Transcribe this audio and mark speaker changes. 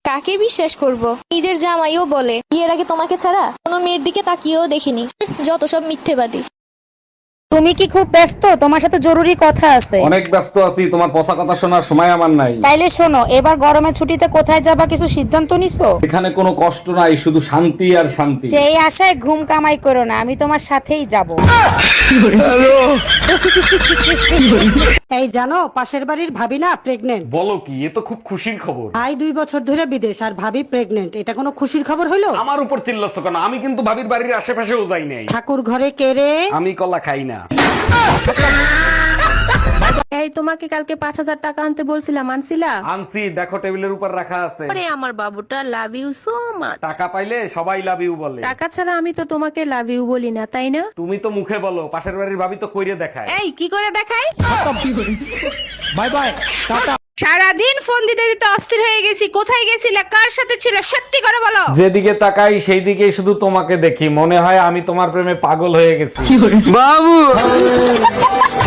Speaker 1: কাকে বিশ্বাস করব? নিজের জামাইও বলে বিয়ের আগে তোমাকে ছাড়া কোনো মেয়ের দিকে তাকিয়েও দেখিনি। যত সব মিথ্যেবাদী।
Speaker 2: তুমি কি খুব ব্যস্ত? তোমার সাথে জরুরি কথা আছে।
Speaker 3: অনেক ব্যস্ত আছি, তোমার পচা কথা শোনার সময় আমার নাই।
Speaker 2: তাইলে শোনো, এবার গরমের ছুটিতে কোথায় যাবা কিছু সিদ্ধান্ত নিছো?
Speaker 3: এখানে কোনো কষ্ট নাই, শুধু শান্তি আর শান্তি।
Speaker 2: সেই আশায় ঘুম কামাই করো না, আমি তোমার সাথেই যাব।
Speaker 4: এই জানো, পাশের বাড়ির ভাবি না প্রেগনেন্ট।
Speaker 3: বলো কি, এ তো খুব খুশির খবর।
Speaker 4: ভাই 2 বছর ধরে বিদেশ আর ভাবি প্রেগনেন্ট, এটা কোনো খুশির খবর হইলো?
Speaker 3: আমার উপর চিল্লাচ্ছ কেন? আমি কিন্তু ভাবির বাড়ির আশেপাশেও যাই নাই।
Speaker 4: ঠাকুর ঘরে কেড়ে।
Speaker 3: আমি কলা খাই না।
Speaker 5: এই তোমাকে কালকে 5,000 টাকা আনতে বলছিলাম, আনছিলা?
Speaker 3: আনছি, দেখো টেবিলের উপর রাখা আছে।
Speaker 5: আরে আমার বাবুটা লাভ ইউ সো মাচ।
Speaker 3: টাকা পাইলে সবাই লাভ ইউ বলে।
Speaker 5: টাকা ছাড়া আমি তো তোমাকে লাভ ইউ বলি না, তাই না?
Speaker 3: তুমি তো মুখে বলো, পাশের বাড়ির ভাবি তো কইরে দেখায়।
Speaker 5: এই কি করে দেখাই?
Speaker 3: বাই বাই, টাটা।
Speaker 5: সারাদিন ফোন দিতে দিতে অস্থির হয়ে গেছি। কোথায় গেছিলে, কার সাথে ছিল, সত্যি করে বলো।
Speaker 3: যেদিকে তাকাই সেই দিকেই শুধু তোমাকে দেখি, মনে হয় আমি তোমার প্রেমে পাগল হয়ে গেছি।
Speaker 6: বাবু